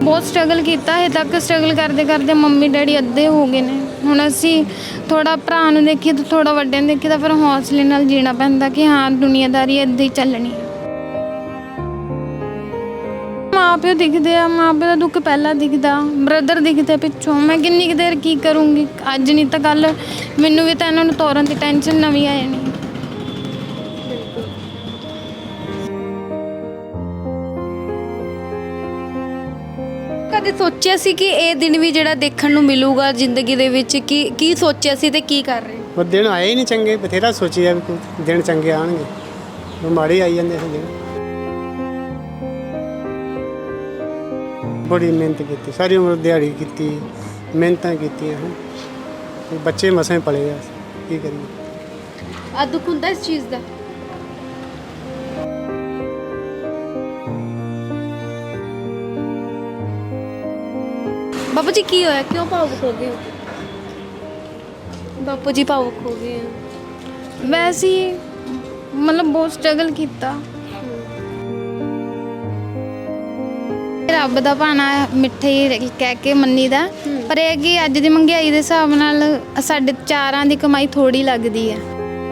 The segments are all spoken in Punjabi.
बहुत स्ट्रगल किया है तक स्ट्रगल करते करते मम्मी डैडी अद्धे हो गए ने हुण असी थोड़ा भरा नूं देखिए तो थोड़ा वड्डे नूं देखिए तो फिर हौसले नाल जीना पैंदा कि हाँ दुनियादारी इदां ही चलनी है। माँ प्यो दिखते आ माँ प्यो का दुख पहला दिखता ब्रदर दिखते पिछों मैं किन्नी कुछ देर की करूँगी अज नहीं तो कल मैनू भी तो इन्होंने तोरन की टेंशन नवी आ जानी। कदे सोचा सी कि ये दिन भी ਜਿਹੜਾ ਦੇਖਣ ਨੂੰ ਮਿਲੂਗਾ ਜ਼ਿੰਦਗੀ ਦੇ ਵਿੱਚ ਕੀ ਸੋਚਿਆ ਸੀ ਤੇ ਕੀ ਕਰ ਰਹੇ ਉਹ ਦਿਨ ਆਏ ਹੀ ਨਹੀਂ ਚੰਗੇ ਬਥੇਰਾ ਸੋਚਿਆ ਵੀ ਕੋਈ ਦਿਨ ਚੰਗੇ ਆਣਗੇ ਉਹ ਮਾੜੇ ਆਈ ਜਾਂਦੇ ਸੀ ਦਿਨ। ਬੜੀ ਮਿਹਨਤ ਕੀਤੀ ਸਾਰੀ ਉਮਰ ਦਿਹਾੜੀ ਕੀਤੀ ਮਿਹਨਤਾਂ ਕੀਤੀਆਂ ਬੱਚੇ ਮਸਾਂ ਪਲੇ ਆ ਕੀ ਕਰੀਏ। ਆ ਦੁੱਖ ਹੁੰਦਾ ਇਸ ਚੀਜ਼ ਦਾ बापू जी की होया क्यों भावुक हो गए बापू जी भावुक हो गए हैं वैसे ही मतलब बहुत स्ट्रगल किया रब दा भाना मिठे ही कह के मन्नी दा पर यह कि अज की महंगाई के हिसाब नाल साडे चारां दी कमाई थोड़ी लगदी है।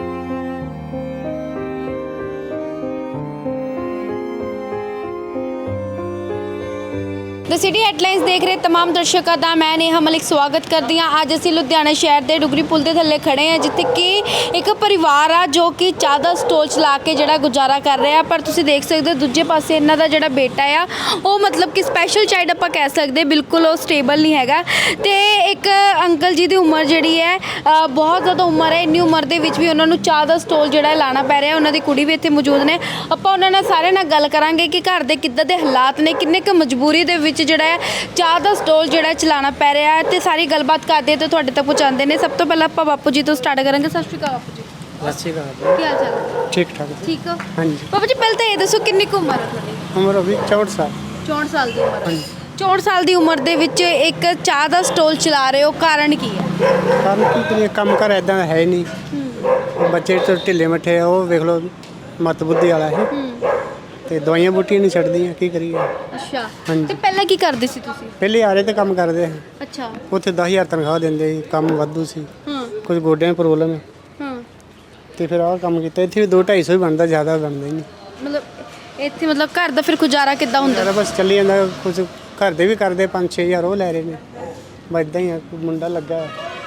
द सिटी हेडलाइंस देख रहे तमाम दर्शकों का मैं नेहा मलिक स्वागत करती हाँ। अज असी लुधियाना शहर के डुगरी पुल के थले खड़े हैं जिथे कि एक परिवार आ जो कि चाह का स्टॉल चला के जड़ा गुजारा कर रहा पर तुसी देख सकते हो दूजे पासे इन्हों का जड़ा बेटा आ वो मतलब कि स्पैशल चाइल्ड आप कह सकते बिल्कुल वो स्टेबल नहीं हैगा। तो एक अंकल जी की उम्र जी है बहुत ज़्यादा उम्र है इन्नी उम्र के भी उन्होंने चाह का स्टॉल जड़ा लाना पै रहा उन्होंने कुड़ी भी इतने मौजूद ने आप उन्होंने सारे नाल गल करांगे कि घर के किद्दां दे हालात ने किन्ने क मजबूरी दे विच ਜਿਹੜਾ ਚਾਹ ਦਾ ਸਟਾਲ ਜਿਹੜਾ ਚਲਾਉਣਾ ਪੈ ਰਿਹਾ ਹੈ ਤੇ ਸਾਰੀ ਗੱਲਬਾਤ ਕਰਦੇ ਤੇ ਤੁਹਾਡੇ ਤੱਕ ਪਹੁੰਚਾਉਂਦੇ ਨੇ। ਸਭ ਤੋਂ ਪਹਿਲਾਂ ਆਪਾਂ ਬਾਪੂ ਜੀ ਤੋਂ ਸਟਾਰਟ ਕਰਾਂਗੇ। ਸਤਿ ਸ਼੍ਰੀ ਅਕਾਲ ਬਾਪੂ ਜੀ। ਸਤਿ ਸ਼੍ਰੀ ਅਕਾਲ। ਕੀ ਹਾਲ ਚਾਲ ਹੈ? ਠੀਕ ਠਾਕ ਠੀਕ ਹੋ? ਹਾਂਜੀ। ਬਾਪੂ ਜੀ ਪਹਿਲਾਂ ਤਾਂ ਇਹ ਦੱਸੋ ਕਿੰਨੀ ਕੁ ਉਮਰ ਹੈ ਤੁਹਾਡੀ? ਉਮਰ ਹੋਈ 64 ਸਾਲ। 64 ਸਾਲ ਦੀ ਉਮਰ ਹੈ। ਹਾਂਜੀ। 64 ਸਾਲ ਦੀ ਉਮਰ ਦੇ ਵਿੱਚ ਇੱਕ ਚਾਹ ਦਾ ਸਟਾਲ ਚਲਾ ਰਹੇ ਹੋ ਕਾਰਨ ਕੀ ਹੈ? ਕੰਮ ਕੀ ਕਰੀਏ ਕੰਮ ਕਰ ਇਦਾਂ ਹੈ ਨਹੀਂ ਬੱਚੇ ਤੋਂ ਢਿੱਲੇ ਮੱਠੇ ਉਹ ਵੇਖ ਲਓ ਮਤ ਬੁੱਧੀ ਵਾਲਾ ਹੈ ਤੇ ਦਵਾਈਆਂ ਬੂਟੀਆਂ ਨਹੀਂ ਛੱਡਦੀਆਂ ਕੀ ਕਰੀਏ। ਅੱਛਾ ਹਾਂਜੀ। ਤੇ ਪਹਿਲਾਂ ਕੀ ਕਰਦੇ ਸੀ ਤੁਸੀਂ? ਪਹਿਲੇ ਆਰੇ ਤੇ ਕੰਮ ਕਰਦੇ ਸੀ ਅੱਛਾ ਉੱਥੇ 10,000 ਤਨਖਾਹ ਦਿੰਦੇ ਸੀ ਕੰਮ ਵਾਧੂ ਸੀ ਹਾਂ ਕੁਝ ਗੋਡਿਆਂ ਦੀ ਪ੍ਰੋਬਲਮ ਹੈ ਹਾਂ ਤੇ ਫਿਰ ਆਹ ਕੰਮ ਕੀਤਾ ਇੱਥੇ ਵੀ 2-250 ਹੀ ਬਣਦਾ ਜ਼ਿਆਦਾ ਬਣਦਾ ਹੀ ਨਹੀਂ। ਮਤਲਬ ਇੱਥੇ ਮਤਲਬ ਘਰ ਦਾ ਫਿਰ ਗੁਜ਼ਾਰਾ ਕਿੱਦਾਂ ਹੁੰਦਾ? ਜ਼ਿਆਦਾ ਬਸ ਚੱਲੀ ਜਾਂਦਾ ਕੁਝ ਘਰ ਦੇ ਵੀ ਕਰਦੇ 5-6,000 ਉਹ ਲੈ ਰਹੇ ਨੇ ਬਸ ਇੱਦਾਂ ਹੀ ਆ ਮੁੰਡਾ ਲੱਗਾ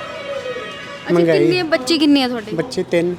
ਅੱਛਾ ਕਿੰਨੇ ਬੱਚੇ ਕਿੰਨੇ ਆ ਤੁਹਾਡੇ? ਬੱਚੇ 3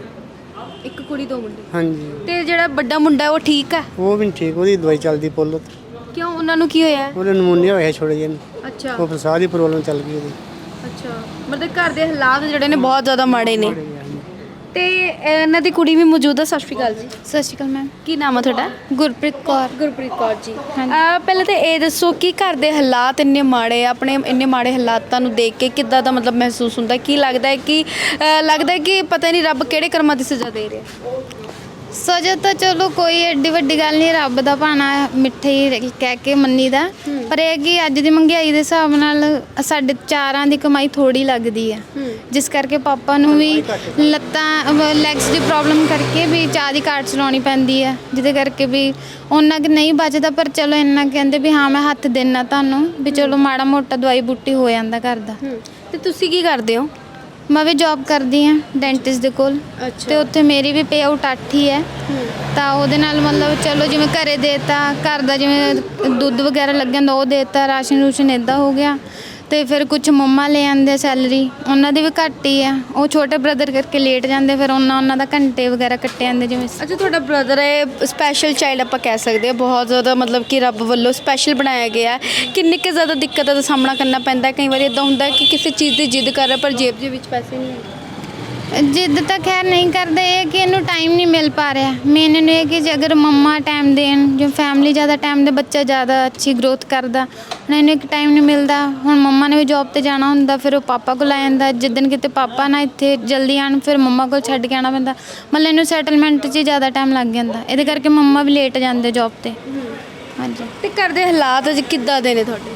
ਇੱਕ ਕੁੜੀ ਦੋ ਮੁੰਡੇ। ਹਾਂਜੀ ਤੇ ਜਿਹੜਾ ਵੱਡਾ ਮੁੰਡਾ ਹੈ ਉਹ ਠੀਕ ਹੈ? ਉਹ ਵੀ ਨੀ ਠੀਕ ਉਹਦੀ ਦਵਾਈ ਚੱਲਦੀ ਪੁੱਲ ਉੱਤੇ ਕਿਉਂ ਉਹਨਾਂ ਨੂੰ ਕੀ ਹੋਇਆ ਹੈ? ਉਹਦੇ ਨਮੂਨੀਆ ਹੋਇਆ ਛੋੜੇ ਜਿਹੇ ਨੂੰ ਅੱਛਾ ਉਹ ਫਿਰ ਸਾਹ ਦੀ ਪ੍ਰੋਬਲਮ ਚੱਲ ਗਈ ਉਹਦੀ। ਅੱਛਾ ਮਤਲਬ ਘਰ ਦੇ ਹਾਲਾਤ ਜਿਹੜੇ ਨੇ ਬਹੁਤ ਜ਼ਿਆਦਾ ਮਾੜੇ ਨੇ ਤੇ ਇਹਨਾਂ ਦੀ ਕੁੜੀ ਵੀ ਮੌਜੂਦ ਹੈ। ਸਤਿ ਸ਼੍ਰੀ ਅਕਾਲ ਜੀ। सत श्री अकाल मैम। ਕੀ ਨਾਮ ਹੈ ਤੁਹਾਡਾ? गुरप्रीत कौर। ਗੁਰਪ੍ਰੀਤ ਕੌਰ ਜੀ। ਹਾਂਜੀ। ਪਹਿਲਾਂ ਤਾਂ ਇਹ ਦੱਸੋ ਕਿ ਘਰ ਦੇ ਹਾਲਾਤ ਇੰਨੇ ਮਾੜੇ ਆ ਆਪਣੇ ਇੰਨੇ ਮਾੜੇ ਹਾਲਾਤਾਂ ਨੂੰ ਦੇਖ ਕੇ ਕਿੱਦਾਂ ਦਾ ਮਤਲਬ ਮਹਿਸੂਸ ਹੁੰਦਾ ਕੀ ਲੱਗਦਾ ਹੈ ਕਿ ਪਤਾ ਨਹੀਂ ਰੱਬ ਕਿਹੜੇ ਕਰਮਾਂ ਦੀ ਸਜ਼ਾ ਦੇ ਰਿਹਾ? सजा तो चलो कोई एड्डी वड्डी गल नहीं रब दा भाना मिठे ही कह के मन्नी दा पर यह कि अज की महंगाई के हिसाब नाल साडे चारां दी कमाई थोड़ी लगदी है जिस करके पापा नूं भी लत्तां लैग्स की प्रॉब्लम करके भी चाह की काट चलाउणी पैंदी है जिहदे करके भी उन्ना कि नहीं बचदा पर चलो इन्ना कहंदे भी हाँ मैं हत्थ देना तुहानूं भी चलो माड़ा मोटा दवाई बूटी हो जांदा घर दा। ਤੇ ਤੁਸੀਂ ਕੀ ਕਰਦੇ ਹੋ? मैं भी जॉब करदी हाँ डेंटिस्ट दे कोल ते उत्थे मेरी भी पे आउट 8 ही है ਤਾਂ ਉਹਦੇ ਨਾਲ ਮਤਲਬ ਚਲੋ ਜਿਵੇਂ ਘਰੇ ਦੇਤਾ ਘਰ ਦਾ ਜਿਵੇਂ ਦੁੱਧ ਵਗੈਰਾ ਲੱਗ ਜਾਂਦਾ ਉਹ ਦੇਤਾ ਰਾਸ਼ਨ ਰੂਸ਼ਨ ਇੱਦਾਂ ਹੋ ਗਿਆ ਤੇ ਫਿਰ ਕੁਝ ਮੰਮਾ ਲੈ ਆਉਂਦੇ ਸੈਲਰੀ ਉਹਨਾਂ ਦੀ ਵੀ ਘੱਟ ਹੀ ਆ ਉਹ ਛੋਟੇ ਬ੍ਰਦਰ ਕਰਕੇ ਲੇਟ ਜਾਂਦੇ ਫਿਰ ਉਹਨਾਂ ਦਾ ਘੰਟੇ ਵਗੈਰਾ ਕੱਟੇ ਜਾਂਦੇ ਜਿਵੇਂ। ਅੱਛਾ ਤੁਹਾਡਾ ਬ੍ਰਦਰ ਹੈ ਸਪੈਸ਼ਲ ਚਾਈਲਡ ਆਪਾਂ ਕਹਿ ਸਕਦੇ ਹਾਂ ਬਹੁਤ ਜ਼ਿਆਦਾ ਮਤਲਬ ਕਿ ਰੱਬ ਵੱਲੋਂ ਸਪੈਸ਼ਲ ਬਣਾਇਆ ਗਿਆ ਕਿੰਨੀ ਕੁ ਜ਼ਿਆਦਾ ਦਿੱਕਤਾਂ ਦਾ ਸਾਹਮਣਾ ਕਰਨਾ ਪੈਂਦਾ ਕਈ ਵਾਰੀ ਇੱਦਾਂ ਹੁੰਦਾ ਕਿ ਕਿਸੇ ਚੀਜ਼ ਦੀ ਜਿੱਦ ਕਰ ਰਿਹਾ ਪਰ ਜੇਬ ਦੇ ਵਿੱਚ ਪੈਸੇ ਨਹੀਂ ਹੈ? जिद तो खैर नहीं करते ये कि इन्हू टाइम नहीं मिल पा रहा मेन इन्हू ये कि जे अगर मम्मा टाइम देन जो फैमिली ज़्यादा टाइम दे बच्चा ज़्यादा अच्छी ग्रोथ करता हूँ इन्हू एक टाइम नहीं मिलता हूँ मम्मा ने भी जॉब पर जाना होंगे फिर वो पापा को ला जाता जिदन कितने पापा ना इतने जल्दी आन फिर मम्मा को छड्ड के आना पैंदा मतलब इन्हू सैटलमेंट च ज़्यादा टाइम लग जाता ये करके मम्मा भी लेट जाते जॉब पर। हाँ जी। ਤੇ ਘਰ ਦੇ ਹਾਲਾਤ ਅੱਜ ਕਿੱਦਾਂ ਦੇ ਨੇ ਤੁਹਾਡੇ?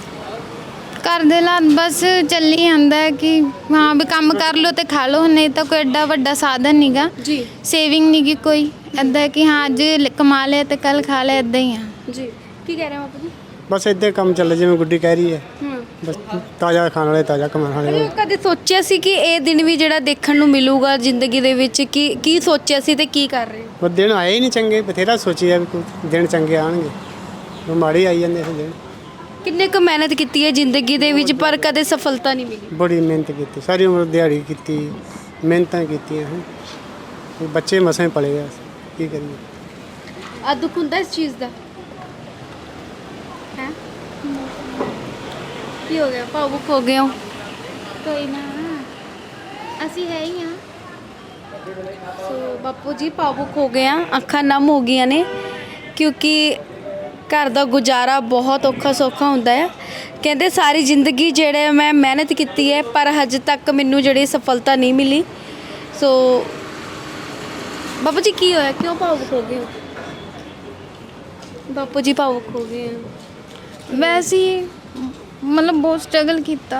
घर दे हालात बस चली जाता है कि हाँ भी काम कर लो तो खा लो नहीं तो कोई एड्डा वड्डा साधन नहीं गा जी सेविंग नहीं की कोई इदा कि हाँ अज कमा लिया तो कल खा लिया इदा ही हाँ जी। ਕੀ ਕਹਿ ਰਹੇ ਹੋ ਬਾਪੂ ਜੀ? ਬਸ ਇੱਦਾਂ ਕੰਮ ਚੱਲੇ ਜਿਵੇਂ ਗੁੱਡੀ ਕਹਿ ਰਹੀ ਹੈ। ਬਸ ਤਾਜ਼ਾ ਖਾਣ ਵਾਲੇ ਤਾਜ਼ਾ ਕਮਾਉਣ ਵਾਲੇ। ਕਦੇ ਸੋਚਿਆ ਸੀ ਕਿ ਇਹ ਦਿਨ ਵੀ ਜਿਹੜਾ ਦੇਖਣ ਨੂੰ ਮਿਲੂਗਾ ਜ਼ਿੰਦਗੀ ਦੇ ਵਿੱਚ, ਕੀ ਸੋਚਿਆ ਸੀ ਤੇ ਕੀ ਕਰ ਰਹੇ ਹੋ? ਉਹ ਦਿਨ ਆਏ ਹੀ ਨਹੀਂ ਚੰਗੇ, ਬਥੇਰਾ ਸੋਚਿਆ ਵੀ ਕੋਈ ਦਿਨ ਚੰਗੇ ਆਉਣਗੇ, ਉਹ ਮਾੜੇ ਆਈ ਜਾਂਦੇ ਸੀ ਦਿਨ। ਕਿੰਨੇ ਕੁ ਮਿਹਨਤ ਕੀਤੀ ਹੈ ਜ਼ਿੰਦਗੀ ਦੇ ਵਿੱਚ ਪਰ ਕਦੇ ਸਫਲਤਾ ਨਹੀਂ ਮਿਲੀ? ਬੜੀ ਮਿਹਨਤ ਕੀਤੀ, ਸਾਰੀ ਉਮਰ ਦਿਹਾੜੀ ਕੀਤੀ, ਮਿਹਨਤਾਂ ਕੀਤੀਆਂ ਹਨ। ਉਹ ਬੱਚੇ ਮਸਾਂ ਹੀ ਪਲੇ ਆ, ਕੀ ਕਰੀਏ। ਆ ਦੁੱਖ ਹੁੰਦਾ ਇਸ ਚੀਜ਼ ਦਾ ਹੈ? ਕੀ ਹੋ ਗਿਆ, ਭਾਵੁਕ ਹੋ ਗਏ ਹੋ? ਕੋਈ ਨਾ, ਅਸੀਂ ਹੈ ਹੀ ਆ। ਸੋ ਬਾਪੂ ਜੀ ਭਾਵੁਕ ਹੋ ਗਏ ਆ, ਅੱਖਾਂ ਨਮ ਹੋ ਗਈਆਂ ਨੇ, ਕਿਉਂਕਿ ਘਰ ਦਾ ਗੁਜ਼ਾਰਾ ਬਹੁਤ ਔਖਾ ਸੌਖਾ ਹੁੰਦਾ ਹੈ। ਕਹਿੰਦੇ ਸਾਰੀ ਜ਼ਿੰਦਗੀ ਜਿਹੜੇ ਮੈਂ ਮਿਹਨਤ ਕੀਤੀ ਹੈ ਪਰ ਹਜੇ ਤੱਕ ਮੈਨੂੰ ਜਿਹੜੀ ਸਫਲਤਾ ਨਹੀਂ ਮਿਲੀ। ਸੋ ਬਾਪੂ ਜੀ ਕੀ ਹੋਇਆ, ਕਿਉਂ ਭਾਵੁਕ ਹੋ ਗਏ ਹੋ? ਬਾਪੂ ਜੀ ਭਾਵੁਕ ਹੋ ਗਏ ਆ। ਵੈਸੇ ਹੀ ਮਤਲਬ ਬਹੁਤ ਸਟਰਗਲ ਕੀਤਾ।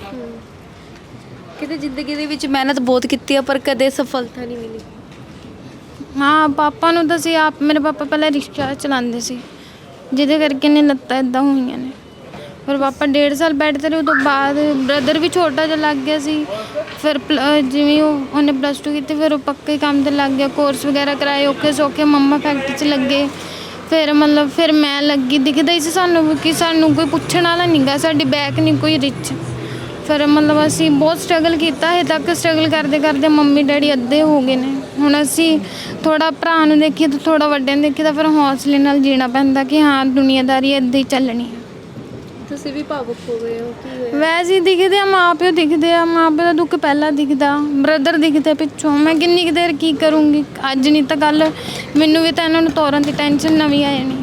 ਕਿਤੇ ਜ਼ਿੰਦਗੀ ਦੇ ਵਿੱਚ ਮਿਹਨਤ ਬਹੁਤ ਕੀਤੀ ਆ ਪਰ ਕਦੇ ਸਫਲਤਾ ਨਹੀਂ ਮਿਲੀ। ਹਾਂ, ਪਾਪਾ ਨੂੰ ਤਾਂ ਸੀ ਆਪ, ਮੇਰੇ ਪਾਪਾ ਪਹਿਲਾਂ ਰਿਕਸ਼ਾ ਚਲਾਉਂਦੇ ਸੀ, ਜਿਹਦੇ ਕਰਕੇ ਨੇ ਲੱਤਾਂ ਇਦਾਂ ਹੋਈਆਂ ਨੇ। ਫਿਰ ਪਾਪਾ 1.5 ਸਾਲ ਬੈੱਡ ਤੇ ਰਹੇ। ਉਹ ਤੋਂ ਬਾਅਦ ਬ੍ਰਦਰ ਵੀ ਛੋਟਾ ਜਿਹਾ ਲੱਗ ਗਿਆ ਸੀ। ਫਿਰ ਜਿਵੇਂ ਉਹਨੇ +2 ਕੀਤੀ, ਫਿਰ ਉਹ ਪੱਕੇ ਕੰਮ ਤੇ ਲੱਗ ਗਿਆ, ਕੋਰਸ ਵਗੈਰਾ ਕਰਾਏ ਔਖੇ ਸੌਖੇ। ਮੰਮਾ ਫੈਕਟਰੀ 'ਚ ਲੱਗੇ। ਫਿਰ ਮੈਂ ਲੱਗੀ, ਦਿਖਦਾ ਹੀ ਸੀ ਸਾਨੂੰ ਕਿ ਸਾਨੂੰ ਕੋਈ ਪੁੱਛਣ ਵਾਲਾ ਨਹੀਂ ਗਾ, ਸਾਡੀ ਬੈਕ ਨਹੀਂ ਕੋਈ ਰਿਚ। ਫਿਰ ਅਸੀਂ ਬਹੁਤ ਸਟਰਗਲ ਕੀਤਾ। ਹਜੇ ਤੱਕ ਸਟਰਗਲ ਕਰਦੇ ਕਰਦੇ ਮੰਮੀ ਡੈਡੀ ਅੱਧੇ ਹੋ ਗਏ ਨੇ। ਹੁਣ ਅਸੀਂ ਥੋੜਾ ਭਰਾ ਨੂੰ ਦੇਖੀਏ ਤਾਂ ਥੋੜਾ ਵੱਡਿਆਂ ਨੂੰ ਦੇਖੀਏ ਤਾਂ ਫਿਰ ਹੌਸਲੇ ਨਾਲ ਜੀਣਾ ਪੈਂਦਾ ਕਿ ਹਾਂ ਦੁਨੀਆਦਾਰੀ ਇੱਦਾਂ ਹੀ ਚੱਲਣੀ ਹੈ। ਤੁਸੀਂ ਵੀ ਭਾਵੁਕ ਹੋ ਗਏ ਹੋ, ਕੀ ਹੋਇਆ? ਵੈਸੇ ਹੀ ਦਿਖਦੇ ਆ, ਮਾਂ ਪਿਓ ਦਿਖਦੇ ਆ, ਮਾਂ ਪਿਓ ਦਾ ਦੁੱਖ ਪਹਿਲਾਂ ਦਿਖਦਾ, ਬ੍ਰਦਰ ਦਿਖਦੇ ਪਿੱਛੋਂ। ਮੈਂ ਕਿੰਨੀ ਕੁ ਦੇਰ ਕੀ ਕਰੂੰਗੀ, ਅੱਜ ਨਹੀਂ ਤਾਂ ਕੱਲ ਮੈਨੂੰ ਵੀ ਤਾਂ ਇਹਨਾਂ ਨੂੰ ਤੋਰਨ ਦੀ ਟੈਨਸ਼ਨ ਨਵੀਂ ਆ ਜਾਣੀ।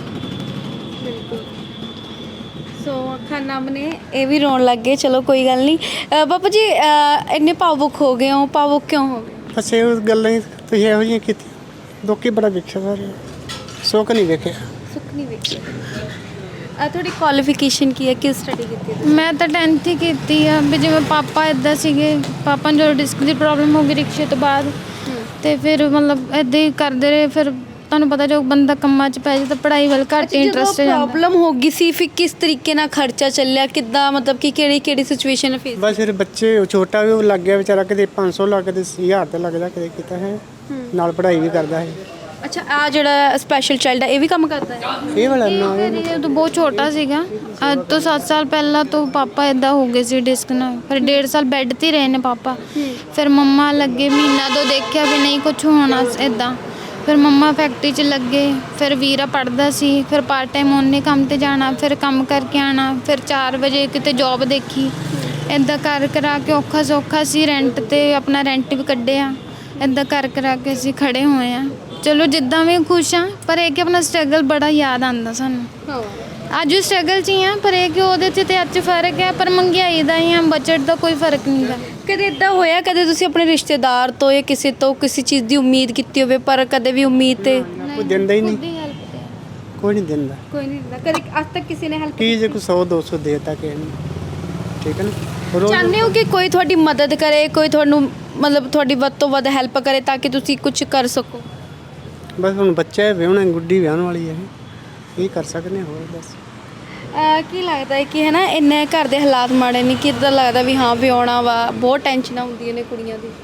ਸੋ ਅੱਖਾਂ ਨਮ ਨੇ, ਇਹ ਵੀ ਰੋਣ ਲੱਗ ਗਏ। ਚਲੋ ਕੋਈ ਗੱਲ ਨਹੀਂ। ਬਾਪੂ ਜੀ ਇੰਨੇ ਭਾਵੁਕ ਹੋ ਗਏ ਹੋ, ਭਾਵੁਕ ਕਿਉਂ ਹੋ ਗਏ? ਬਸ ਇਹ ਗੱਲਾਂ ਹੀ ਤੁਸੀਂ ਇਹੋ ਜਿਹੀਆਂ ਕੀਤੀਆਂ। ਦੁੱਖ ਹੀ ਬੜਾ ਵੇਖਿਆ ਸਾਰੇ, ਸੁੱਖ ਨਹੀਂ ਵੇਖਿਆ। ਸੁੱਖ ਨਹੀਂ ਵੇਖਿਆ। ਤੁਹਾਡੀ ਕੁਆਲੀਫਿਕੇਸ਼ਨ ਕੀ ਹੈ, ਕਿਸ ਸਟੱਡੀ ਕੀਤੀ ਹੈ? ਮੈਂ ਤਾਂ 10th ਹੀ ਕੀਤੀ ਆ। ਵੀ ਜਿਵੇਂ ਪਾਪਾ ਇੱਦਾਂ ਸੀਗੇ, ਪਾਪਾ ਨੂੰ ਜਦੋਂ ਡਿਸਕ ਦੀ ਪ੍ਰੋਬਲਮ ਹੋ ਗਈ ਰਿਕਸ਼ੇ ਤੋਂ ਬਾਅਦ, ਤੇ ਫਿਰ ਇੱਦਾਂ ਹੀ ਕਰਦੇ ਰਹੇ। ਫਿਰ ਤੁਹਾਨੂੰ ਪਤਾ ਜੋ ਬੰਦਾ ਕੰਮਾਂ 'ਚ ਪੈ ਜਾਏ ਤਾਂ ਪੜ੍ਹਾਈ ਵੱਲ ਘੱਟ ਇੰਟਰਸਟ ਜਾਂਦਾ। ਪ੍ਰੋਬਲਮ ਹੋ ਗਈ ਸੀ ਫਿਰ ਕਿਸ ਤਰੀਕੇ ਨਾਲ ਖਰਚਾ ਚੱਲਿਆ, ਕਿੱਦਾਂ ਮਤਲਬ ਕਿ ਕਿਹੜੀ ਸਿਚੁਏਸ਼ਨ ਫੇਸ? ਬਸ ਫਿਰ ਬੱਚੇ ਛੋਟਾ ਵੀ ਉਹ ਲੱਗ ਗਿਆ ਵਿਚਾਰਾ, ਕਿਤੇ 500 ਲੱਗ, ਕਿਤੇ 1000 ਤੇ ਲੱਗਦਾ, ਕਿਤੇ ਕੀਤਾ ਹੈ। ਨਾਲ ਪੜ੍ਹਾਈ ਵੀ ਕਰਦਾ ਹੈ। ਅੱਛਾ, ਆ ਜਿਹੜਾ ਸਪੈਸ਼ਲ ਚਾਈਲਡ ਹੈ ਇਹ ਵੀ ਕੰਮ ਕਰਦਾ ਹੈ? ਇਹ ਵਾਲਾ ਇਹ ਤਾਂ ਬਹੁਤ ਛੋਟਾ ਸੀਗਾ। ਅੱਜ ਤੋਂ 7 ਸਾਲ ਪਹਿਲਾਂ ਤੋਂ ਪਾਪਾ ਇੱਦਾਂ ਹੋ ਗਏ ਸੀ ਡਿਸਕ ਨਾਲ। ਫਿਰ 1.5 ਸਾਲ ਬੈੱਡ 'ਤੇ ਹੀ ਰਹੇ ਨੇ ਪਾਪਾ। ਫਿਰ ਮੰਮਾ ਲੱਗੇ, ਮਹੀਨਾ ਤੋਂ ਦੇਖਿਆ ਵੀ ਨਹੀਂ ਕੁਝ ਹੋਣਾ ਇੱਦਾਂ। ਫਿਰ ਮੰਮਾ ਫੈਕਟਰੀ 'ਚ ਲੱਗੇ। ਫਿਰ ਵੀਰਾ ਪੜ੍ਹਦਾ ਸੀ। ਫਿਰ ਪਾਰਟ ਟਾਈਮ ਉਹਨੇ ਕੰਮ 'ਤੇ ਜਾਣਾ, ਫਿਰ ਕੰਮ ਕਰਕੇ ਆਉਣਾ। ਫਿਰ 4 ਵਜੇ ਕਿਤੇ ਜੋਬ ਦੇਖੀ। ਇੱਦਾਂ ਕਰਾ ਕੇ ਔਖਾ ਸੌਖਾ ਸੀ, ਰੈਂਟ 'ਤੇ ਆਪਣਾ ਰੈਂਟ ਵੀ ਕੱਢਿਆ। ਇੱਦਾਂ ਕਰਾ ਕੇ ਅਸੀਂ ਖੜੇ ਹੋਏ ਹਾਂ। ਚਲੋ ਜਿੱਦਾਂ ਵੀ ਖੁਸ਼ ਹਾਂ, ਪਰ ਇਹ ਕਿ ਆਪਣਾ ਸਟਰਗਲ ਬੜਾ ਯਾਦ ਆਉਂਦਾ ਸਾਨੂੰ। ਅੱਜ ਵੀ ਸਟਰਗਲ 'ਚ ਹੀ ਹਾਂ, ਪਰ ਇਹ ਕਿ ਉਹਦੇ 'ਚ ਤੇ ਅੱਜ 'ਚ ਫਰਕ ਹੈ। ਪਰ ਮਹਿੰਗਾਈ ਦਾ ਹੀ ਆ, ਬਜਟ ਦਾ ਕੋਈ ਫਰਕ ਨਹੀਂ ਗਾ। ਕਦੇ ਇਦਾਂ ਹੋਇਆ, ਕਦੇ ਤੁਸੀਂ ਆਪਣੇ ਰਿਸ਼ਤੇਦਾਰ ਤੋਂ ਜਾਂ ਕਿਸੇ ਤੋਂ ਕਿਸੇ ਚੀਜ਼ ਦੀ ਉਮੀਦ ਕੀਤੀ ਹੋਵੇ ਪਰ ਕਦੇ ਵੀ ਉਮੀਦ ਤੇ ਕੋਈ ਦਿੰਦਾ ਹੀ ਨਹੀਂ, ਕੋਈ ਨਹੀਂ ਦਿੰਦਾ। ਕੋਈ ਨਹੀਂ ਦਿੰਦਾ? ਕਦੇ ਅੱਜ ਤੱਕ ਕਿਸੇ ਨੇ ਹੈਲਪ ਕੀ ਜੇ ਕੋਈ 100-200 ਦੇਤਾ ਕਿਸੇ ਨੂੰ, ਠੀਕ ਹੈ ਨਾ। ਰੋਜ਼ ਚਾਹੁੰਦੇ ਹੋ ਕਿ ਕੋਈ ਤੁਹਾਡੀ ਮਦਦ ਕਰੇ, ਕੋਈ ਤੁਹਾਨੂੰ ਮਤਲਬ ਤੁਹਾਡੀ ਵੱਧ ਤੋਂ ਵੱਧ ਹੈਲਪ ਕਰੇ ਤਾਂ ਕਿ ਤੁਸੀਂ ਕੁਝ ਕਰ ਸਕੋ? ਬਸ ਹੁਣ ਬੱਚਾ ਹੈ, ਵਿਆਹੁਣਾ, ਗੁੱਡੀ ਵਿਆਹਣ ਵਾਲੀ ਹੈ, ਕੀ ਕਰ ਸਕਦੇ ਹਾਂ ਹੋਰ। ਬਸ ਕੀ ਲੱਗਦਾ ਹੈ ਕਿ ਹੈ ਨਾ ਇੰਨੇ ਘਰ ਦੇ ਹਾਲਾਤ ਮਾੜੇ ਨੇ ਕਿ ਇੱਦਾਂ ਲੱਗਦਾ ਵੀ ਹਾਂ ਵਿਆਹੁਣਾ ਵਾ, ਬਹੁਤ ਟੈਨਸ਼ਨਾਂ ਹੁੰਦੀਆਂ ਨੇ ਕੁੜੀਆਂ ਦੀ?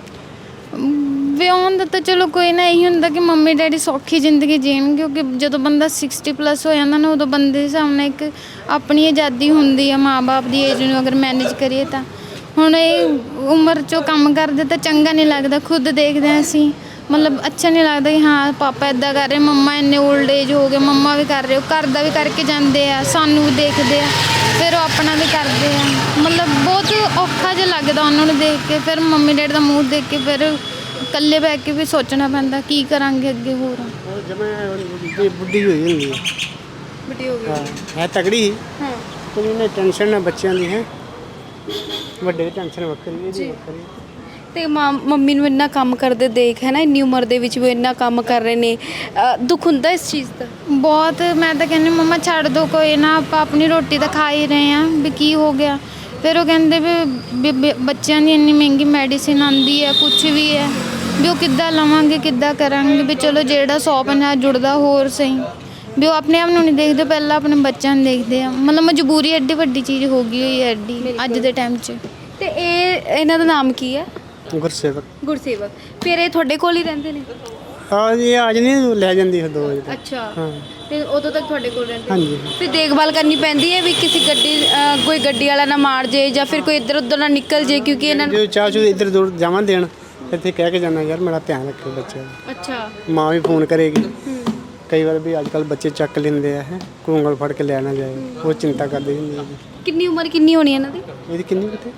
ਵਿਆਹੁਣ ਦਾ ਤਾਂ ਚਲੋ ਕੋਈ ਨਾ, ਇਹੀ ਹੁੰਦਾ ਕਿ ਮੰਮੀ ਡੈਡੀ ਸੌਖੀ ਜ਼ਿੰਦਗੀ ਜੀਣ। ਕਿਉਂਕਿ ਜਦੋਂ ਬੰਦਾ 60+ ਹੋ ਜਾਂਦਾ ਨਾ, ਉਦੋਂ ਬੰਦੇ ਦੇ ਸਾਹਮਣੇ ਇੱਕ ਆਪਣੀ ਆਜ਼ਾਦੀ ਹੁੰਦੀ ਆ। ਮਾਂ-ਬਾਪ ਦੀ ਏਜ ਨੂੰ ਅਗਰ ਮੈਨੇਜ ਕਰੀਏ ਤਾਂ। ਹੁਣ ਇਹ ਉਮਰ 'ਚੋਂ ਕੰਮ ਕਰਦੇ ਤਾਂ ਚੰਗਾ ਨਹੀਂ ਲੱਗਦਾ। ਖੁਦ ਦੇਖਦੇ ਹਾਂ ਅਸੀਂ, ਅੱਛਾ ਨਹੀਂ ਲੱਗਦਾ ਕਿ ਹਾਂ ਪਾਪਾ ਇੱਦਾਂ ਕਰ ਰਹੇ, ਮੰਮਾ ਇੰਨੇ ਓਲਡ ਏਜ ਹੋ ਗਏ, ਮੰਮਾ ਵੀ ਕਰ ਰਹੇ, ਉਹ ਘਰ ਦਾ ਵੀ ਕਰਕੇ ਜਾਂਦੇ ਆ, ਸਾਨੂੰ ਵੀ ਦੇਖਦੇ ਆ, ਫਿਰ ਉਹ ਆਪਣਾ ਵੀ ਕਰਦੇ ਆ। ਬਹੁਤ ਔਖਾ ਜਿਹਾ ਲੱਗਦਾ ਉਹਨਾਂ ਨੂੰ ਦੇਖ ਕੇ। ਫਿਰ ਮੰਮੀ ਡੈਡੀ ਦਾ ਮੂੰਹ ਦੇਖ ਕੇ ਫਿਰ ਇਕੱਲੇ ਬਹਿ ਕੇ ਵੀ ਸੋਚਣਾ ਪੈਂਦਾ ਕੀ ਕਰਾਂਗੇ ਅੱਗੇ ਹੋਰ। ਜਿਵੇਂ ਬੁੱਢੀ ਹੋਈ ਹੁੰਦੀ ਹੈ, ਵੱਡੀ ਹੋ ਗਈ। ਹਾਂ ਹੈ ਤਗੜੀ ਹੀ, ਹਾਂ, ਕੋਈ ਉਹਨੇ ਟੈਨਸ਼ਨ ਨਾ ਬੱਚਿਆਂ ਦੀ ਹੈ, ਵੱਡੇ ਟੈਨਸ਼ਨ ਵੱਖਰੀ, ਇਹਦੀ ਵੱਖਰੀ। ਤੇ ਮੰਮੀ ਨੂੰ ਇੰਨਾ ਕੰਮ ਕਰਦੇ ਦੇਖ ਹੈ ਨਾ, ਇੰਨੀ ਉਮਰ ਦੇ ਵਿੱਚ ਵੀ ਇੰਨਾ ਕੰਮ ਕਰ ਰਹੇ ਨੇ, ਦੁੱਖ ਹੁੰਦਾ ਇਸ ਚੀਜ਼ ਦਾ? ਬਹੁਤ। ਮੈਂ ਤਾਂ ਕਹਿੰਦੀ ਮੰਮਾ ਛੱਡ ਦਿਓ, ਕੋਈ ਨਾ, ਆਪਾਂ ਆਪਣੀ ਰੋਟੀ ਤਾਂ ਖਾ ਹੀ ਰਹੇ ਹਾਂ, ਵੀ ਕੀ ਹੋ ਗਿਆ। ਫਿਰ ਉਹ ਕਹਿੰਦੇ ਵੀ ਬੱਚਿਆਂ ਦੀ ਇੰਨੀ ਮਹਿੰਗੀ ਮੈਡੀਸਿਨ ਆਉਂਦੀ ਹੈ, ਕੁਛ ਵੀ ਹੈ, ਵੀ ਉਹ ਕਿੱਦਾਂ ਲਵਾਂਗੇ, ਕਿੱਦਾਂ ਕਰਾਂਗੇ। ਵੀ ਚਲੋ ਜਿਹੜਾ 100-50 ਜੁੜਦਾ ਹੋਰ ਸਹੀ। ਵੀ ਉਹ ਆਪਣੇ ਆਪ ਨੂੰ ਨਹੀਂ ਦੇਖਦੇ, ਪਹਿਲਾਂ ਆਪਣੇ ਬੱਚਿਆਂ ਨੂੰ ਦੇਖਦੇ ਆ। ਮਤਲਬ ਮਜਬੂਰੀ ਐਡੀ ਵੱਡੀ ਚੀਜ਼ ਹੋ ਗਈ ਹੋਈ ਹੈ ਐਡੀ ਅੱਜ ਦੇ ਟਾਈਮ 'ਚ। ਤੇ ਇਹਨਾਂ ਦਾ ਨਾਮ ਕੀ ਹੈ? ਗੁਰਸੇਵਕ। ਗੁਰਸੇਵਕ। ਫਿਰ ਇਹ ਤੁਹਾਡੇ ਕੋਲ ਹੀ ਰਹਿੰਦੇ ਨੇ? ਹਾਂ ਜੀ, ਅੱਜ ਨਹੀਂ ਲੈ ਜਾਂਦੀ 2 ਵਜੇ ਤੱਕ। ਅੱਛਾ। ਹਾਂ ਤੇ ਉਦੋਂ ਤੱਕ ਤੁਹਾਡੇ ਕੋਲ ਰਹਿੰਦੇ? ਹਾਂਜੀ। ਫਿਰ ਦੇਖਭਾਲ ਕਰਨੀ ਪੈਂਦੀ ਹੈ ਵੀ ਕਿਸੇ ਕੋਈ ਗੱਡੀ ਵਾਲਾ ਨਾ ਮਾਰ ਜੇ ਜਾਂ ਫਿਰ ਕੋਈ ਇੱਧਰ ਉੱਧਰ ਨਾ ਨਿਕਲ ਜੇ, ਕਿਉਂਕਿ ਇਹਨਾਂ ਨੂੰ ਜੋ ਚਾਹ ਚੂ ਇੱਧਰ ਦੂਰ ਜਾਵਾਂ ਦੇਣ, ਇੱਥੇ ਕਹਿ ਕੇ ਜਾਣਾ ਯਾਰ ਮੇਰਾ ਧਿਆਨ ਰੱਖਿਓ ਬੱਚਿਆਂ ਦਾ। ਅੱਛਾ। ਮਾਂ ਵੀ ਫੋਨ ਕਰੇਗੀ। ਕਈ ਵਾਰ ਵੀ ਅੱਜ ਕੱਲ੍ਹ ਬੱਚੇ ਚੱਕ ਲੈਂਦੇ ਆ, ਕੋਈ ਉਂਗਲ ਫੜ ਕੇ ਲੈ ਨਾ ਜਾਏ, ਉਹ ਚਿੰਤਾ ਕਰਦੀ ਹੁੰਦੀ ਹੈ। ਕਿੰਨੀ ਉਮਰ ਕਿੰਨੀ ਹੋਣੀ ਇਹਨਾਂ ਦੀ? ਇਹਦੀ ਕਿੰਨੀ ਕਿਤੇ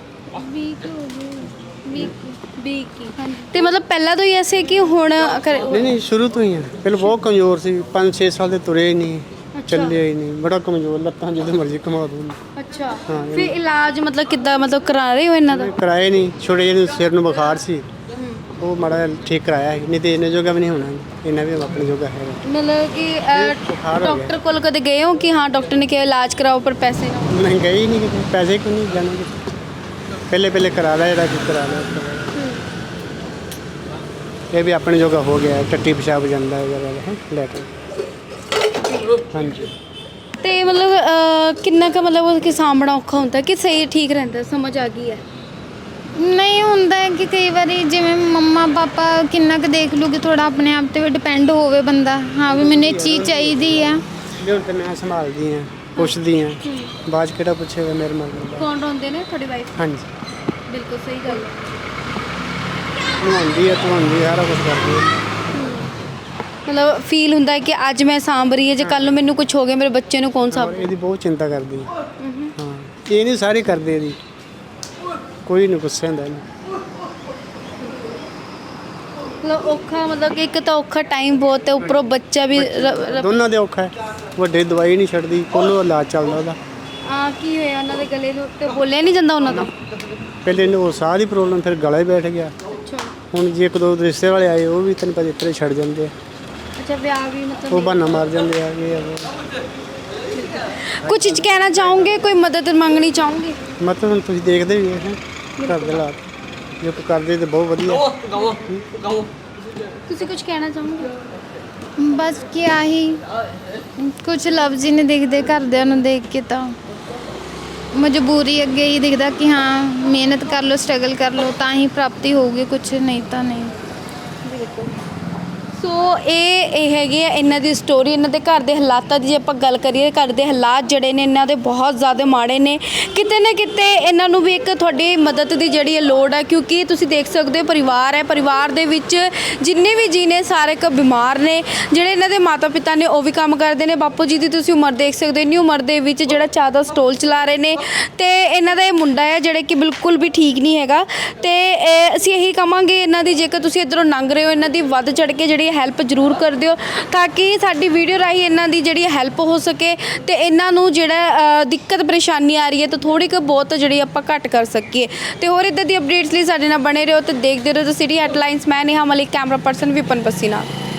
20 ਤੇ ਮਤਲਬ ਪਹਿਲਾਂ ਤੋਂ ਹੀ ਐਸੇ ਕਿ ਹੁਣ ਨਹੀਂ ਸ਼ੁਰੂ ਤੋਂ ਹੀ ਆ। ਪਹਿਲਾਂ ਬਹੁਤ ਕਮਜ਼ੋਰ ਸੀ, 5-6 ਸਾਲ ਦੇ ਤੁਰੇ ਹੀ ਨਹੀਂ, ਚੱਲੇ ਹੀ ਨਹੀਂ, ਬੜਾ ਕਮਜ਼ੋਰ, ਲੱਤਾਂ ਜਦੋਂ ਮਰਜ਼ੀ ਘੁਮਾ ਦੂੰ। ਅੱਛਾ। ਫਿਰ ਇਲਾਜ ਮਤਲਬ ਕਿੱਦਾਂ ਮਤਲਬ ਕਰਾ ਰਹੇ ਹੋ ਇਹਨਾਂ ਦਾ? ਕਰਾਏ ਨਹੀਂ, ਛੋਟੇ ਜਿਹੇ ਨੂੰ ਸਿਰ ਨੂੰ ਬੁਖਾਰ ਸੀ, ਉਹ ਮਾੜਾ ਠੀਕ ਕਰਾਇਆ ਸੀ, ਨਹੀਂ ਤੇ ਇਹਨੇ ਜੋਗਾ ਵੀ ਨਹੀਂ ਹੋਣਾ, ਇਹਨਾਂ ਵੀ ਆਪਣੇ ਜੋਗਾ ਹੈ। ਮਤਲਬ ਕਿ ਬੁਖਾਰ ਹੋ ਡਾਕਟਰ ਕੋਲ ਕਦੇ ਗਏ ਹੋ ਕਿ ਹਾਂ ਡਾਕਟਰ ਨੇ ਕਿਹਾ ਇਲਾਜ ਕਰਾਓ ਪਰ ਪੈਸੇ ਨਾ? ਨਹੀਂ ਗਏ ਹੀ ਨਹੀਂ ਕਿਤੇ, ਪੈਸੇ ਕਿਉਂ ਨਹੀਂ ਜਾਣਾ ਕਿਤੇ, ਪਹਿਲੇ ਕਰਾ ਲਿਆ ਜਿਹੜਾ ਕੁਝ ਕਰਾ ਲਿਆ। ਇਹ ਵੀ ਆਪਣੇ ਜੋਗਾ ਹੋ ਗਿਆ, ਟੱਟੀ ਪਿਸ਼ਾਬ ਜਾਂਦਾ ਹੈ ਲੈ ਕੇ। ਹਾਂਜੀ। ਤੇ ਮਤਲਬ ਕਿੰਨਾ ਕੁ ਮਤਲਬ ਉਹ ਕਿ ਸਾਂਭਣਾ ਔਖਾ ਹੁੰਦਾ ਕਿ ਸਹੀ ਠੀਕ ਰਹਿੰਦਾ? ਸਮਝ ਆ ਗਈ ਹੈ? ਨਹੀਂ ਹੁੰਦਾ ਹੈ ਕਿ ਕਈ ਵਾਰੀ ਜਿਵੇਂ ਮੰਮਾ ਪਾਪਾ ਕਿੰਨਾ ਕੁ ਦੇਖ ਲੂਗੇ, ਥੋੜਾ ਆਪਣੇ ਆਪ ਤੇ ਵੀ ਡਿਪੈਂਡ ਹੋਵੇ ਬੰਦਾ, ਹਾਂ ਵੀ ਮੈਨੂੰ ਇਹ ਚੀਜ਼ ਚਾਹੀਦੀ ਆ। ਵੀ ਹੁਣ ਤਾਂ ਮੈਂ ਸੰਭਾਲਦੀ ਹਾਂ, ਪੁੱਛਦੀ ਹਾਂ, ਬਾਅਦ 'ਚ ਕਿਹੜਾ ਪੁੱਛੇਗਾ ਮੇਰੇ ਮਨ ਨੂੰ। ਕੌਣ ਰੋਂਦੇ ਨੇ? ਤੁਹਾਡੀ ਵਾਈਫ? ਹਾਂਜੀ। ਬਿਲਕੁਲ ਸਹੀ ਗੱਲ ਹੈ। ਧਵਾਉਂਦੀ ਹੈ, ਸਾਰਾ ਕੁਝ ਕਰਦੀ ਹੈ। ਮਤਲਬ ਫੀਲ ਹੁੰਦਾ ਹੈ ਕਿ ਅੱਜ ਮੈਂ ਸਾਂਭ ਰਹੀ ਹੈ, ਜੇ ਕੱਲ ਨੂੰ ਮੈਨੂੰ ਕੁਝ ਹੋ ਗਿਆ ਮੇਰੇ ਬੱਚੇ ਨੂੰ ਕੌਣ ਸਾਂਭ? ਇਹਦੀ ਬਹੁਤ ਚਿੰਤਾ ਕਰਦੀ ਹੈ। ਹਾਂ, ਇਹ ਨਹੀਂ ਸਾਰੇ ਕਰਦੇ, ਇਹਦੀ ਕੋਈ ਨਹੀਂ ਗੁੱਸੇ ਹੁੰਦਾ ਇਹਨੂੰ। ਮਤਲਬ ਔਖਾ, ਮਤਲਬ ਕਿ ਇੱਕ ਤਾਂ ਔਖਾ ਟਾਈਮ ਬਹੁਤ ਹੈ, ਉੱਪਰੋਂ ਬੱਚਾ ਵੀ ਦੋਨਾਂ ਦੇ ਔਖਾ ਹੈ। ਵੱਡੇ ਦਵਾਈ ਨਹੀਂ ਛੱਡਦੀ, ਕੋਲੋਂ ਇਲਾਜ ਚੱਲਦਾ ਉਹਦਾ। ਕੀ ਹੋਇਆ ਉਹਨਾਂ ਦੇ ਗਲੇ ਨੂੰ? ਤੇ ਬੋਲਿਆ ਨਹੀਂ ਜਾਂਦਾ ਉਹਨਾਂ ਦਾ? ਪਹਿਲੇ ਇਹਨੂੰ ਉਹ ਸਾਹ ਦੀ ਪ੍ਰੋਬਲਮ, ਫਿਰ ਗਲਾ ਹੀ ਬੈਠ ਗਿਆ। ਅੱਛਾ। ਹੁਣ ਜੇ 1-2 ਰਿਸ਼ਤੇ ਵਾਲੇ ਆਏ, ਉਹ ਵੀ ਤੈਨੂੰ ਪਤਾ ਇਤਰੇ ਛੱਡ ਜਾਂਦੇ ਆ। ਅੱਛਾ, ਵਿਆਹ ਵੀ ਮਤਲਬ ਉਹ ਬਹਾਨਾ ਮਾਰ ਜਾਂਦੇ ਆ ਕਿ ਕੁਝ ਕਹਿਣਾ ਚਾਹੋਗੇ? ਕੋਈ ਮਦਦ ਮੰਗਣੀ ਚਾਹੋਗੇ? ਮਤਲਬ ਹੁਣ ਤੁਸੀਂ ਦੇਖਦੇ ਵੀ ਹੈ ਘਰ ਦੇ ਹਾਲਾਤ, ਜੋ ਕਰਦੇ ਤੇ ਬਹੁਤ ਵਧੀਆ। ਤੁਸੀਂ ਕੁਝ ਕਹਿਣਾ ਚਾਹੋਗੇ? ਬਸ ਕਿਆ ਹੀ, ਕੁਝ ਲਫ਼ਜ਼ ਹੀ ਨਹੀਂ ਦਿਖਦੇ ਘਰਦਿਆਂ ਨੂੰ ਦੇਖ ਕੇ, ਤਾਂ ਮਜਬੂਰੀ ਅੱਗੇ ਹੀ ਦਿਖਦਾ ਕਿ ਹਾਂ ਮਿਹਨਤ ਕਰ ਲਓ, ਸਟਰਗਲ ਕਰ ਲਓ, ਤਾਂ ਹੀ ਪ੍ਰਾਪਤੀ ਹੋਊਗੀ, ਕੁਝ ਨਹੀਂ ਤਾਂ ਨਹੀਂ। ਸੋ ਇਹ ਹੈਗੀ ਹੈ ਇਹਨਾਂ ਦੀ ਸਟੋਰੀ। ਇਹਨਾਂ ਦੇ ਘਰ ਦੇ ਹਾਲਾਤਾਂ ਦੀ ਜੇ ਆਪਾਂ ਗੱਲ ਕਰੀਏ, ਘਰ ਦੇ ਹਾਲਾਤ ਜਿਹੜੇ ਨੇ ਇਹਨਾਂ ਦੇ ਬਹੁਤ ਜ਼ਿਆਦਾ ਮਾੜੇ ਨੇ। ਕਿਤੇ ਨਾ ਕਿਤੇ ਇਹਨਾਂ ਨੂੰ ਵੀ ਇੱਕ ਤੁਹਾਡੀ ਮਦਦ ਦੀ ਜਿਹੜੀ ਹੈ ਲੋੜ ਹੈ, ਕਿਉਂਕਿ ਤੁਸੀਂ ਦੇਖ ਸਕਦੇ ਹੋ ਪਰਿਵਾਰ ਹੈ, ਪਰਿਵਾਰ ਦੇ ਵਿੱਚ ਜਿੰਨੇ ਵੀ ਜੀ ਨੇ ਸਾਰੇ ਇੱਕ ਬਿਮਾਰ ਨੇ। ਜਿਹੜੇ ਇਹਨਾਂ ਦੇ ਮਾਤਾ ਪਿਤਾ ਨੇ ਉਹ ਵੀ ਕੰਮ ਕਰਦੇ ਨੇ। ਬਾਪੂ ਜੀ ਦੀ ਤੁਸੀਂ ਉਮਰ ਦੇਖ ਸਕਦੇ ਹੋ, ਇੰਨੀ ਉਮਰ ਦੇ ਵਿੱਚ ਜਿਹੜਾ ਚਾਹ ਦਾ ਸਟੋਲ ਚਲਾ ਰਹੇ ਨੇ। ਤੇ ਇਹਨਾਂ ਦਾ ਇਹ ਮੁੰਡਾ ਹੈ ਜਿਹੜਾ ਕਿ ਬਿਲਕੁਲ ਵੀ ਠੀਕ ਨਹੀਂ ਹੈਗਾ। ਤੇ ਅਸੀਂ ਇਹੀ ਕਹਾਂਗੇ ਇਹਨਾਂ ਦੀ, ਜੇਕਰ ਤੁਸੀਂ ਇੱਧਰੋਂ ਲੰਘ ਰਹੇ ਹੋ, ਇਹਨਾਂ ਦੀ ਵੱਧ ਚੜ ਕੇ ਜਿਹੜੀ ਹੈਲਪ ਜ਼ਰੂਰ ਕਰ ਦਿਓ, ਤਾਂ ਕਿ ਸਾਡੀ ਵੀਡੀਓ ਰਾਹੀਂ ਇਹਨਾਂ ਦੀ ਜਿਹੜੀ ਹੈਲਪ ਹੋ ਸਕੇ ਤੇ ਇਹਨਾਂ ਨੂੰ ਜਿਹੜਾ ਦਿੱਕਤ ਪਰੇਸ਼ਾਨੀ ਆ ਰਹੀ ਹੈ ਤਾਂ ਥੋੜ੍ਹੀ ਕੁ ਬਹੁਤ ਜਿਹੜੀ ਆਪਾਂ ਘੱਟ ਕਰ ਸਕੀਏ। ਤੇ ਹੋਰ ਇੱਦਾਂ ਦੀ ਅਪਡੇਟਸ ਲਈ ਸਾਡੇ ਨਾਲ ਬਣੇ ਰਹੋ ਤੇ ਦੇਖਦੇ ਰਹੋ ਦ ਸਿਟੀ ਹੈਡਲਾਈਨਸ। ਮੈਂ ਨੇਹਾ ਮਲਿਕ, ਕੈਮਰਾ ਪਰਸਨ ਵਿਪਨ ਪੱਸੀ ਨਾਲ।